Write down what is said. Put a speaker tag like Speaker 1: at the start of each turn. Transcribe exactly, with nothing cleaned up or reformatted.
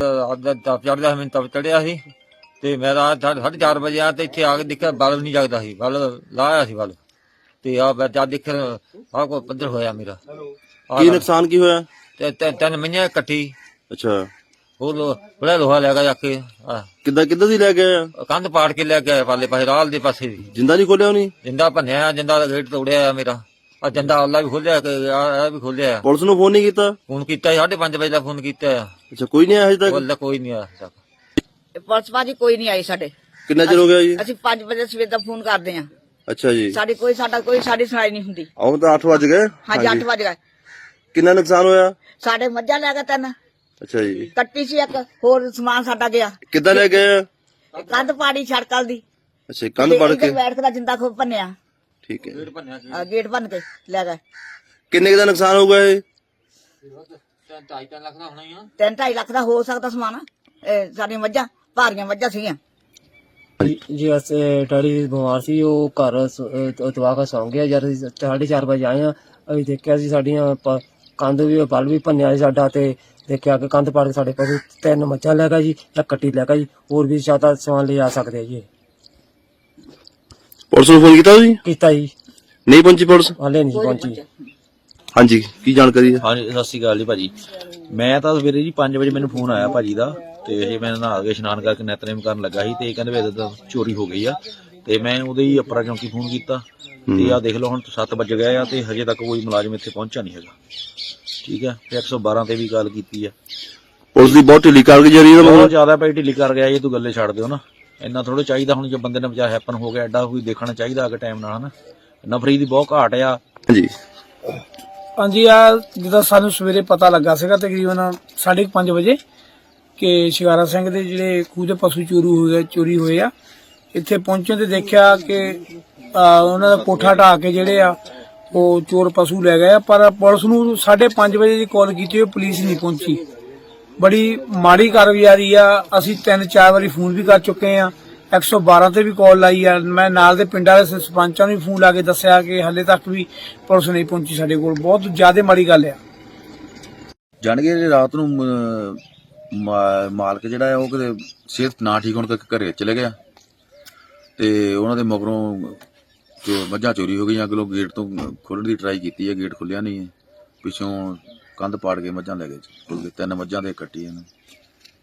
Speaker 1: ਚੜ੍ਹਦਾ ਮੈਨੂੰ ਤਪ ਚੜ੍ਹਿਆ ਸੀ ਤੇ ਮੈਂ ਰਾਤ ਸਾਢੇ ਚਾਰ ਵਜੇ ਆ ਤੇ ਇੱਥੇ ਆ ਕੇ ਦੇਖਿਆ ਬਲਬ ਨਹੀਂ ਜਗਦਾ ਸੀ, ਬਲਬ ਲਾਇਆ ਸੀ ਬਲਬ ਤੇ ਆ ਮੈਂ ਜਦ ਦੇਖਿਆ ਆਹ ਕੋਈ ਪੱਧਰ ਹੋਇਆ ਮੇਰਾ।
Speaker 2: ਕੀ ਨੁਕਸਾਨ ਕੀ ਹੋਇਆ?
Speaker 1: ਤੇ ਤਿੰਨ ਮਹੀਨੇ ਇਕੱਠੀ।
Speaker 2: ਅੱਛਾ,
Speaker 1: ਉਹ ਬੜਾ ਲੋਹਾ ਲੈ ਗਿਆ ਜਾ ਕੇ।
Speaker 2: ਕਿੱਦਾਂ ਕਿੱਦਾਂ ਦੀ ਲੈ ਕੇ ਆਇਆ?
Speaker 1: ਕੰਧ ਪਾੜ ਕੇ ਲੈ ਕੇ ਆਇਆ ਪਾਲੇ ਪਾਸੇ, ਰਾਲ ਦੇ ਪਾਸੇ ਦੀ।
Speaker 2: ਜਿੰਦਾ ਨਹੀਂ ਖੋਲਿਆ ਉਹਨੇ? ਜਿੰਦਾ
Speaker 1: ਭੰਨਿਆ, ਜਿੰਦਾ ਦਾ ਗੇਟ ਤੋੜਿਆ ਮੇਰਾ। ਆ ਜੰਦਾ ਅੱਲਾ ਵੀ ਖੋਲਿਆ, ਆ ਵੀ ਖੋਲਿਆ।
Speaker 2: ਪੁਲਿਸ ਨੂੰ ਫੋਨ ਨਹੀਂ ਕੀਤਾ?
Speaker 1: ਫੋਨ ਕੀਤਾ ਸਾਢੇ ਪੰਜ ਵਜੇ ਦਾ ਫੋਨ ਕੀਤਾ।
Speaker 2: ਅੱਛਾ, ਕੋਈ ਨਹੀਂ ਆਇਆ ਹਜੇ ਤੱਕ?
Speaker 1: ਕੋਈ ਨਹੀਂ ਆਇਆ ਤੱਕ।
Speaker 3: ਪੁਲਿਸ ਭਾਜੀ ਕੋਈ ਨਹੀਂ ਆਈ ਸਾਡੇ।
Speaker 2: ਕਿੰਨਾ ਚਿਰ ਹੋ ਗਿਆ ਜੀ?
Speaker 3: ਅਸੀਂ ਪੰਜ ਵਜੇ ਸਵੇਰ ਦਾ ਫੋਨ ਕਰਦੇ ਆ।
Speaker 2: ਅੱਛਾ ਜੀ।
Speaker 3: ਸਾਡੀ ਕੋਈ ਸਾਡਾ ਕੋਈ ਸਾਡੀ ਸੁਣਾਈ ਨਹੀਂ ਹੁੰਦੀ।
Speaker 2: ਆਉਂ ਤਾਂ ਅੱਠ ਵਜ ਗਏ।
Speaker 3: ਹਾਂਜੀ ਅੱਠ ਵਜ ਗਏ।
Speaker 2: ਕਿੰਨਾ ਨੁਕਸਾਨ ਹੋਇਆ?
Speaker 3: ਸਾਡੇ ਮੱਝਾਂ ਲੈ ਗਏ ਤਿੰਨ।
Speaker 2: ਅੱਛਾ ਜੀ।
Speaker 3: ਕੱਟੀ ਸੀ ਇੱਕ, ਹੋਰ ਸਮਾਨ ਸਾਡਾ ਗਿਆ।
Speaker 2: ਕਿੱਦਾਂ ਲੈ ਗਏ?
Speaker 3: ਕੰਧ ਪਾੜੀ ਛੜਕਲ ਦੀ।
Speaker 2: ਅੱਛਾ, ਕੰਧ ਪੜ ਕੇ
Speaker 3: ਬੈਠ ਕੇ ਜਿੰਦਾ ਖੋਪ ਭੰਨਿਆ।
Speaker 2: ਠੀਕ ਹੈ,
Speaker 3: ਗੇਟ ਭੰਨ ਕੇ ਲੈ ਗਏ।
Speaker 2: ਕਿੰਨੇ ਦਾ ਨੁਕਸਾਨ ਹੋਊਗਾ ਇਹ?
Speaker 3: ਤਿੰਨ ਢਾਈ ਲੱਖ ਦਾ ਹੋ ਸਕਦਾ ਸਮਾਨ। ਸਾਡੀਆਂ ਮੱਝਾਂ ਭਾਰੀਆਂ ਮੱਝਾਂ ਸੀਗੀਆਂ
Speaker 4: ਜੀ। ਅਸੀਂ ਡੈਡੀ ਬਿਮਾਰ ਸੀ, ਉਹ ਘਰ ਦਵਾ ਕੇ ਸੌਂ ਗਿਆ। ਜਦ ਸਾਢੇ ਚਾਰ ਵਜੇ ਆਏ ਆ, ਅਸੀਂ ਦੇਖਿਆ ਸੀ ਸਾਡੀਆਂ ਕੰਧ ਵੀ ਬਲ ਵੀ ਭੰਨਿਆ ਸੀ ਸਾਡਾ, ਤੇ ਦੇਖਿਆ ਕਿ ਕੰਧ ਪਾੜ ਕੇ ਸਾਡੇ ਪਸ਼ੂ ਤਿੰਨ ਮੱਝਾਂ ਲੈ ਗਿਆ ਜੀ, ਇੱਕ ਕੱਟੀ ਲੈ ਗਿਆ ਜੀ। ਹੋਰ ਵੀ ਜ਼ਿਆਦਾ ਸਮਾਨ ਲੈ ਆ ਸਕਦੇ ਆ ਜੀ।
Speaker 2: ਪੁਲਿਸ ਨੂੰ ਫੋਨ ਕੀਤਾ ਤੁਸੀਂ?
Speaker 4: ਕੀਤਾ ਜੀ,
Speaker 2: ਨਹੀਂ ਪਹੁੰਚੀ ਪੁਲਿਸ?
Speaker 4: ਹਾਲੇ ਨਹੀਂ ਪਹੁੰਚੀ।
Speaker 2: ਹਾਂਜੀ, ਕੀ ਜਾਣਕਾਰੀ ਹੈ?
Speaker 5: ਹਾਂਜੀ, ਸਤਿ ਸ਼੍ਰੀ ਅਕਾਲ ਜੀ ਭਾਜੀ। ਮੈਂ ਤਾਂ ਸਵੇਰੇ ਜੀ ਪੰਜ ਵਜੇ ਮੈਨੂੰ ਫੋਨ ਆਇਆ ਭਾਜੀ ਦਾ, ਤੇ ਇਹ ਮੈਂ ਨਹਾ ਕੇ ਇਸ਼ਨਾਨ ਕਰਕੇ ਨਿਤਨੇਮ ਕਰਨ ਲੱਗਾ ਸੀ, ਤੇ ਇਹ ਕਹਿੰਦੇ ਵੀ ਇਹਦਾ ਚੋਰੀ ਹੋ ਗਈ ਆ। ਤੇ ਮੈਂ ਉਹਦੇ ਹੀ ਅਪਰਾ ਚੌਂਕੀ ਫੋਨ ਕੀਤਾ, ਤੇ ਆ ਦੇਖ ਲਓ ਹੁਣ ਸੱਤ ਵੱਜ ਗਏ ਆ ਤੇ ਹਜੇ ਤੱਕ ਕੋਈ ਮੁਲਾਜ਼ਮ ਇੱਥੇ ਪਹੁੰਚਿਆ ਨਹੀਂ ਹੈਗਾ। ਠੀਕ ਹੈ, ਤੇ ਇੱਕ ਸੌ ਬਾਰਾਂ ਤੇ ਵੀ ਕਾਲ ਕੀਤੀ ਆ।
Speaker 2: ਪੁਲਿਸ ਦੀ ਬਹੁਤ ਢਿੱਲੀ ਕਾਰਗੁਜ਼ਾਰੀ ਹੈ।
Speaker 5: ਬਹੁਤ ਜ਼ਿਆਦਾ ਭਾਈ ਢਿੱਲੀ ਕਰ ਗਿਆ ਇਹ, ਤੂੰ ਗੱਲੇ ਛੱਡ ਦਿਓ ਨਾ। ਇੰਨਾ ਥੋੜਾ ਚਾਹੀਦਾ ਹੁਣ, ਜੇ ਬੰਦੇ ਨੇ ਵਿਚਾਰ ਹੈਪਨ ਹੋ ਗਿਆ ਐਡਾ ਕੋਈ ਦੇਖਣਾ ਚਾਹੀਦਾ ਅਗੇ ਟਾਈਮ ਨਾਲ, ਹਨਾ। ਨਫਰੀ ਦੀ ਬਹੁਤ ਘਾਟ ਆ।
Speaker 2: ਹਾਂਜੀ
Speaker 6: ਹਾਂਜੀ, ਆ ਜਿੱਦਾਂ ਸਾਨੂੰ ਸਵੇਰੇ ਪਤਾ ਲੱਗਾ ਸੀਗਾ ਤਕਰੀਬਨ ਸਾਢੇ ਪੰਜ ਵਜੇ ਕਿ ਸ਼ਿਕਾਰਾ ਸਿੰਘ ਦੇ ਜਿਹੜੇ ਖੂਹ ਦੇ ਪਸ਼ੂ ਚੋਰੀ ਹੋ ਗਏ ਚੋਰੀ ਹੋਏ ਆ। ਇੱਥੇ ਪਹੁੰਚਣ ਤੇ ਦੇਖਿਆ ਕਿ ਉਹਨਾਂ ਦਾ ਕੋਠਾ ਢਾਹ ਕੇ ਜਿਹੜੇ ਆ ਉਹ ਚੋਰ ਪਸ਼ੂ ਲੈ ਗਏ ਆ। ਪਰ ਪੁਲਿਸ ਨੂੰ ਸਾਢੇ ਪੰਜ ਵਜੇ ਦੀ ਕਾਲ ਕੀਤੀ, ਉਹ ਪੁਲਿਸ ਨਹੀਂ ਪਹੁੰਚੀ। ਬੜੀ ਮਾੜੀ ਕਾਰਗੁਜ਼ਾਰੀ ਆ। ਅਸੀਂ ਤਿੰਨ ਚਾਰ ਵਾਰੀ ਫੋਨ ਵੀ ਕਰ ਚੁੱਕੇ ਆ, ਇੱਕ ਸੌ ਬਾਰਾਂ ਤੇ ਵੀ ਕਾਲ ਲਾਈ ਆ। ਮੈਂ ਨਾਲ ਦੇ ਪਿੰਡਾਂ ਦੇ ਸਰਪੰਚਾਂ ਨੂੰ ਵੀ ਫੋਨ ਲਾ ਕੇ ਦੱਸਿਆ ਕਿ ਹਾਲੇ ਤੱਕ ਵੀ ਪੁਲਿਸ ਨਹੀਂ ਪਹੁੰਚੀ ਸਾਡੇ ਕੋਲ। ਬਹੁਤ ਜ਼ਿਆਦਾ ਮਾੜੀ ਗੱਲ ਆ।
Speaker 7: ਜਾਣ ਕੇ ਰਾਤ ਨੂੰ ਮਾਲਕ ਜਿਹੜਾ ਹੈ ਉਹ ਕਿਤੇ ਸਿਹਤ ਨਾ ਠੀਕ ਹੋਣ ਕਰਕੇ ਘਰੇ ਚਲੇ ਗਿਆ, ਤੇ ਉਹਨਾਂ ਦੇ ਮਗਰੋਂ ਮੱਝਾਂ ਚੋਰੀ ਹੋ ਗਈਆਂ। ਅਗਲੋਂ ਗੇਟ ਤੋਂ ਖੋਲ੍ਹਣ ਦੀ ਟਰਾਈ ਕੀਤੀ ਹੈ, ਗੇਟ ਖੁੱਲਿਆ ਨਹੀਂ ਹੈ। ਪਿੱਛੋਂ ਕੰਧ ਪਾੜ ਕੇ ਮੱਝਾਂ ਲੈ ਗਏ, ਤਿੰਨ ਮੱਝਾਂ ਦੇ ਕੱਟੀ ਇਹਨੂੰ।